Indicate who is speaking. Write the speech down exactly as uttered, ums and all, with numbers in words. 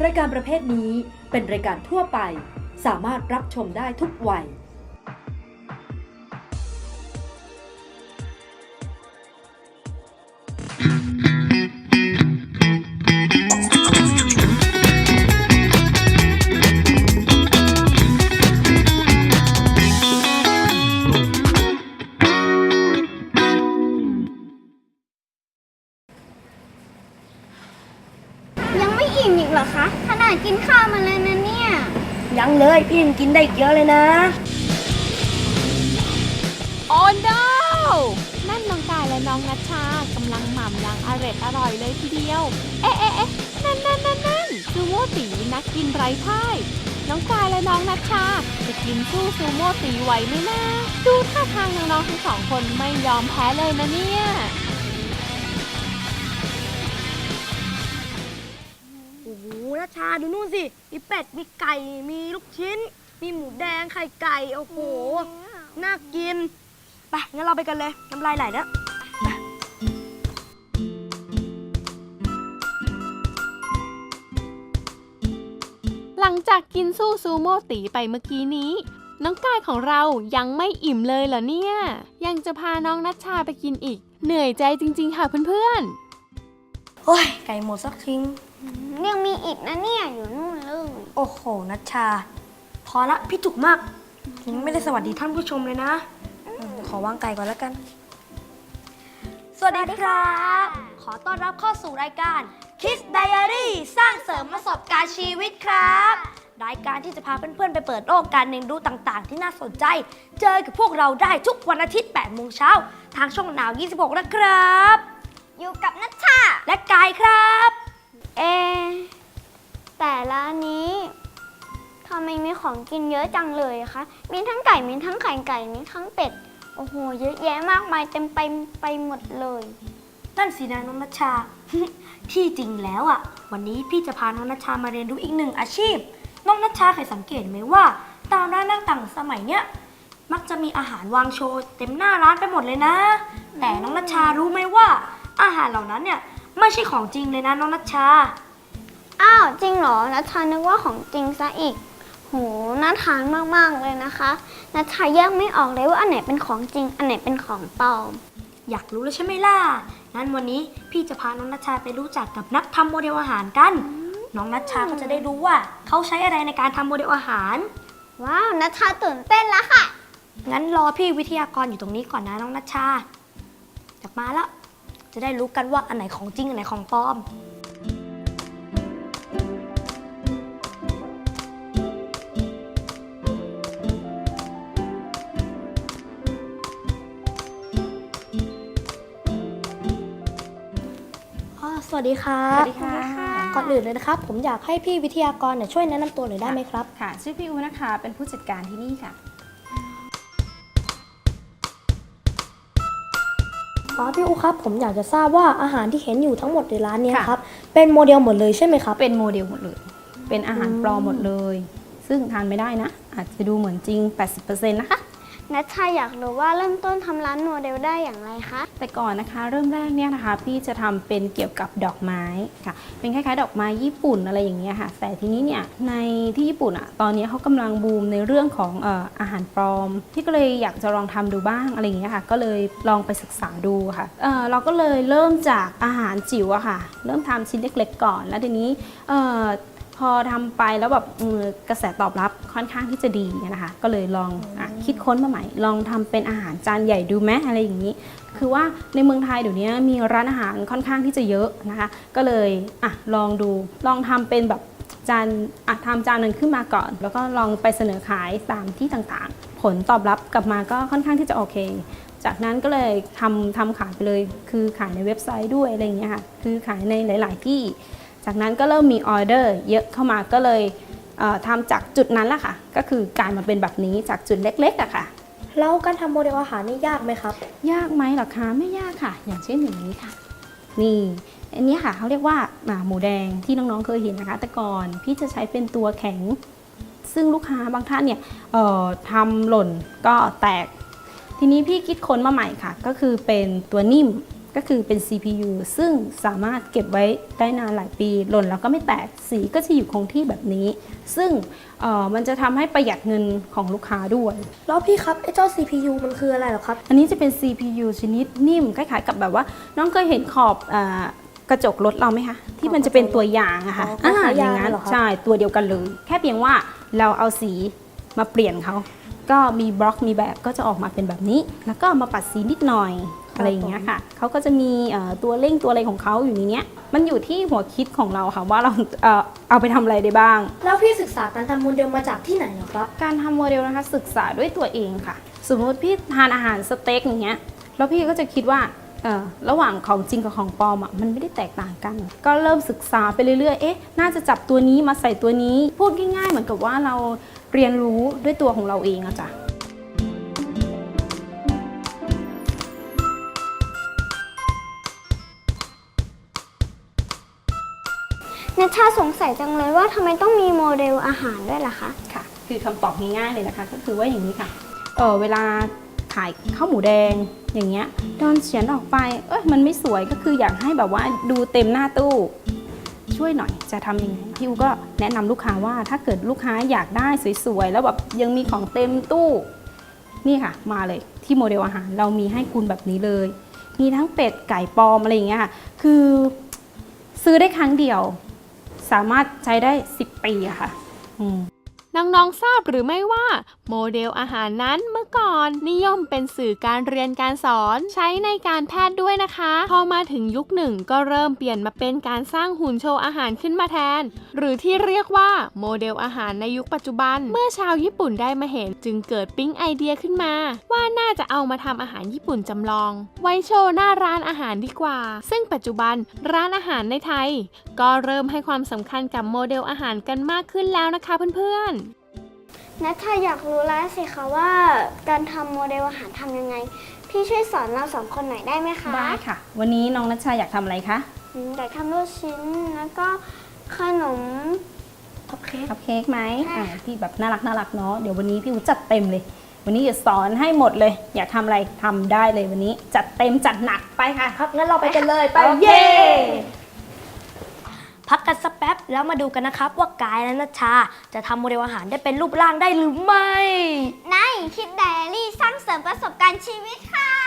Speaker 1: รายการประเภทนี้เป็นรายการทั่วไปสามารถรับชมได้ทุกวัย
Speaker 2: ยังไม่อิ่มอีกเหรอคะขนาดกินข้าวมาแล้วนะเนี่ย
Speaker 3: ยังเลยพี่ยังกินได้เยอะเลยนะ
Speaker 4: โอ้ no นั่นน้องกายและน้องนัชชากำลังหม่ำอย่างอร่อยอร่อยเลยทีเดียว เอ๊ะเอ๊ะเอ๊ะนั่นนั่นนั่นนั่นซูโม่ตีนักกินไร้พ่ายน้องกายและน้องนัชชาจะกินสู้ซูโม่ตีไหวไหมนะดูท่าทางน้องๆทั้งสองคนไม่ยอมแพ้เลยนะเนี่ย
Speaker 3: โอ้โหนัชชาดูนู่นสิ มีเป็ด มีไก่ มีลูกชิ้น มีหมูแดง ไข่ไก่ โอ้โห น่ากิน ไป งั้นเราไปกันเลย น้ำลายไหลแล้ว
Speaker 4: หลังจากกินสู้ซูโม่ตีไปเมื่อกี้นี้น้องกายของเรายังไม่อิ่มเลยเหรอเนี่ยยังจะพาน้องนัชชาไปกินอีกเหนื่อยใจจริงๆค่ะเพื่อนๆ
Speaker 3: โอ้ย ไก่หมดสักทิ้ง
Speaker 2: ยังมีอีกนะเนี่ยอยู่นู่นเลย
Speaker 3: โอ้โห นัชชา พอละ พี่จุกมากยังไม่ได้สวัสดีท่านผู้ชมเลยนะ ขอวางไก่ก่อนแล้วกัน สวัสดีครับ ขอต้อนรับเข้าสู่รายการ Kids Diary สร้างเสริมประสบการณ์ชีวิตครับ รายการที่จะพาเพื่อนๆไปเปิดโลกการเรียนรู้ต่างๆ ที่น่าสนใจ เจอกับพวกเราได้ทุกวันอาทิตย์แปดโมงเช้าทางช่องหนาวยี่สิบหกนะครับ
Speaker 2: อยู่กับนัชชา
Speaker 3: และกายครับ
Speaker 2: เอะแต่ร้านนี้ทำไมมีของกินเยอะจังเลยคะมีทั้งไก่มีทั้งไข่ไก่มีทั้งเป็ดโอ้โหเยอะแยะมากมายเต็มไปไปหมดเลย
Speaker 3: นั่นสินะน้องนัชชา ที่จริงแล้วอ่ะ วันนี้พี่จะพาน้องนัชชามาเรียนรู้อีกหนึ่งอาชีพ น้องนัชชาเคยสังเกตไหมว่าตามร้านต่างๆสมัยเนี้ยมักจะมีอาหารวางโชว์เต็มหน้าร้านไปหมดเลยนะ แต่น้องนัชชารู้ไหมว่า อาหารเหล่านั้นเนี่ยไม่ใช่ของจริงเลยนะน้องนัชชา
Speaker 2: อ้าวจริงเหรอนัชชานึกว่าของจริงซะอีกโหน่าทานมากๆเลยนะคะนัชชาแยกไม่ออกเลยว่าอันไหนเป็นของจริงอันไหนเป็นของปลอม
Speaker 3: อยากรู้แล้วใช่ไหมล่ะ งั้นวันนี้พี่จะพาน้องนัชชาไปรู้จักกับนักทำโมเดลอาหารกัน น้องนัชชาก็จะได้รู้ว่าเขาใช้อะไรในการทำโมเดลอาหาร
Speaker 2: ว้าวนัชชาตื่นเต้นแล้วค่ะ
Speaker 3: งั้นรอพี่วิทยากรอยู่ตรงนี้ก่อนนะน้องนัชชาอยากมาแล้ว จะได้รู้กันว่าอันไหนของจริงอันไหนของปลอม สวัสดีครับ
Speaker 5: สวัสดีค่ะ
Speaker 3: ก่อนอื่นเลยนะครับ ผมอยากให้พี่วิทยากรเนี่ยช่วยแนะนำตัวหน่อยได้ไหมครับ
Speaker 5: ค่ะ ชื่อพี่อูนะคะ เป็นผู้จัดการที่นี่ค่ะ
Speaker 3: อ๋อพี่อูครับ ผมอยากจะทราบว่าอาหารที่เห็นอยู่ทั้งหมดในร้านเนี้
Speaker 5: ค่ะ
Speaker 3: ครับ เป็นโมเดลหมดเลยใช่ไหมครับ
Speaker 5: เป็นโมเดลหมดเลย เป็นอาหารปลอมหมดเลย ซึ่งทานไม่ได้นะ อาจจะดูเหมือนจริง แปดสิบเปอร์เซ็นต์ นะคะ
Speaker 2: นัชชาอยากรู้ว่าเริ่มต้นทำร้านโมเดลได้อย่างไรคะ
Speaker 5: แต่ก่อนนะคะ เริ่มแรกเนี่ยนะคะ พี่จะทำเป็นเกี่ยวกับดอกไม้ค่ะ เป็นคล้ายๆ ดอกไม้ญี่ปุ่นอะไรอย่างเงี้ยค่ะ แต่ทีนี้เนี่ยในที่ญี่ปุ่นอ่ะ ตอนนี้เขากำลังบูมในเรื่องของเอ่ออาหารปลอม พี่ก็เลยอยากจะลองทำดูบ้างอะไรอย่างเงี้ยค่ะ ก็เลยลองไปศึกษาดูค่ะเอ่อเราก็เลยเริ่มจากอาหารจิ๋วอะค่ะ เริ่มทำชิ้นเล็กๆก่อน แล้วทีนี้เอ่อพอทำไปแล้วแบบกระแสตอบรับค่อนข้างที่จะดีนะคะ ก็เลยลองอะคิดค้นมาใหม่ ลองทำเป็นอาหารจานใหญ่ดูไหมอะไรอย่างนี้ คือว่าในเมืองไทยเดี๋ยวนี้มีร้านอาหารค่อนข้างที่จะเยอะนะคะ ก็เลยอ่ะลองดู ลองทำเป็นแบบจานอ่ะทำจานหนึ่งขึ้นมาก่อน แล้วก็ลองไปเสนอขายตามที่ต่างๆ ผลตอบรับกลับมาก็ค่อนข้างที่จะโอเค จากนั้นก็เลยทำทำขายไปเลย คือขายในเว็บไซต์ด้วยอะไรอย่างเงี้ยค่ะ คือขายในหลาย ๆ ที่ จากนั้นก็เริ่มมีออเดอร์เยอะเข้ามาก็เลยเอ่อทำจากจุดนั้นแหละค่ะ ก็คือกลายมาเป็นแบบนี้จากจุดเล็กๆอะค่ะ
Speaker 3: แล้วการทำโมเดลอาหารนี่ยากไหมครับ
Speaker 5: ยากไหมหรอคะไม่ยากค่ะ อย่างเช่นอย่างนี้ค่ะ นี่อันนี้ค่ะเขาเรียกว่าหมูแดงที่น้องๆเคยเห็นนะคะ แต่ก่อนพี่จะใช้เป็นตัวแข็ง ซึ่งลูกค้าบางท่านเนี่ยเอ่อทำหล่นก็แตก ทีนี้พี่คิดค้นมาใหม่ค่ะ ก็คือเป็นตัวนิ่มก็คือเป็น ซี พี ยู ซึ่งสามารถเก็บไว้ได้นานหลายปีหล่นแล้วก็ไม่แตกสีก็จะอยู่คงที่แบบนี้ ซึ่งเอ่อมันจะทำให้ประหยัดเงินของลูกค้าด้วย
Speaker 3: แล้วพี่ครับไอ้เจ้า ซี พี ยู มันคืออะไรเหรอครับ
Speaker 5: อันนี้จะเป็น ซี พี ยู ชนิดนิ่มคล้ายๆกับแบบว่าน้องเคยเห็นขอบอากระจกรถเราไหมคะที่มันจะเป็นตัวอย่างอะค่ะ
Speaker 3: อ๋อคล้ายๆ
Speaker 5: อย่างนั้น
Speaker 3: ยางเหรอครับ
Speaker 5: ใช่ตัวเดียวกันเลย แค่เพียงว่าเราเอาสีมาเปลี่ยนเขาก็มีบล็อกมีแบบก็จะออกมาเป็นแบบนี้ แล้วก็มาปัดสีนิดหน่อยอะไรอย่างเงี้ยค่ะเขาก็จะมีเอ่อตัวเร่งตัวอะไรของเขาอยู่ในเนี้ยมันอยู่ที่หัวคิดของเราค่ะว่าเราเอ่อเอาไปทำอะไรได้บ้าง
Speaker 3: แล้วพี่ศึกษาการทำโมเดลมาจากที่ไหนเหรอครับ
Speaker 5: การทำโมเดลนะคะศึกษาด้วยตัวเองค่ะ สมมติพี่ทานอาหารสเต็กอย่างเงี้ยแล้วพี่ก็จะคิดว่าเออระหว่างของจริงกับของปลอมอ่ะมันไม่ได้แตกต่างกัน ก็เริ่มศึกษาไปเรื่อยๆเอ๊ะน่าจะจับตัวนี้มาใส่ตัวนี้พูดง่ายๆเหมือนกับว่าเราเรียนรู้ด้วยตัวของเราเองอะจ้ะ
Speaker 2: นัชชาสงสัยจังเลยว่าทำไมต้องมีโมเดลอาหารด้วยล่ะคะ
Speaker 5: ค่ะคือคำตอบง่ายๆเลยนะคะก็คือว่าอย่างนี้ค่ะเออเวลาขายข้าวหมูแดงอย่างเงี้ยตอนเขียนออกไปเอ้ยมันไม่สวยก็คืออยากให้แบบว่าดูเต็มหน้าตู้ช่วยหน่อยจะทำยังไงพี่อูก็แนะนำลูกค้าว่าถ้าเกิดลูกค้าอยากได้สวยๆแล้วแบบยังมีของเต็มตู้นี่ค่ะมาเลยที่โมเดลอาหารเรามีให้คุณแบบนี้เลยมีทั้งเป็ดไก่ปลอมอะไรอย่างเงี้ยค่ะคือซื้อได้ครั้งเดียวสามารถใช้ได้สิบปีอะค่ะอืม
Speaker 4: น้องๆ ทราบหรือไม่ว่าโมเดลอาหารนั้นเมื่อก่อนนิยมเป็นสื่อการเรียนการสอนใช้ในการแพทย์ด้วยนะคะ พอมาถึงยุคหนึ่งก็เริ่มเปลี่ยนมาเป็นการสร้างหุ่นโชว์อาหารขึ้นมาแทน หรือที่เรียกว่าโมเดลอาหารในยุคปัจจุบัน เมื่อชาวญี่ปุ่นได้มาเห็นจึงเกิดปิ๊งไอเดียขึ้นมา ว่าน่าจะเอามาทำอาหารญี่ปุ่นจำลอง ไว้โชว์หน้าร้านอาหารดีกว่า ซึ่งปัจจุบันร้านอาหารในไทย ก็เริ่มให้ความสำคัญกับโมเดลอาหารกันมากขึ้นแล้วนะคะเพื่อนๆ
Speaker 2: นัชชาอยากรู้แล้วสิคะว่าการทำโมเดลอาหารทำยังไง พี่ช่วยสอนเราสองคนหน่อยได้ไหมคะ
Speaker 5: ได้ค่ะ วันนี้น้องนัชชาอยากทำอะไรคะ
Speaker 2: อืมอยากทำลูกชิ้นแล้วก็ขนม
Speaker 3: โอเค
Speaker 5: คัพเค้กไหม
Speaker 2: ค่ะ
Speaker 5: อ่าที่แบบน่ารักน่ารักเนาะเดี๋ยววันนี้พี่อูจัดเต็มเลย วันนี้จะสอนให้หมดเลย อยากทำอะไรทำได้เลยวันนี้จัดเต็มจัดหนักไปค่ะ
Speaker 3: ครับงั้นเราไปกันเลยไป
Speaker 5: โอเค
Speaker 3: เย้พักกันสักแป๊บแล้วมาดูกันนะครับว่ากายและนัชชาจะทำโมเดลอาหารได้เป็นรูปร่างได้หรือไม่
Speaker 2: ในคิดไดอารี่สร้างเสริมประสบการณ์ชีวิตค่ะ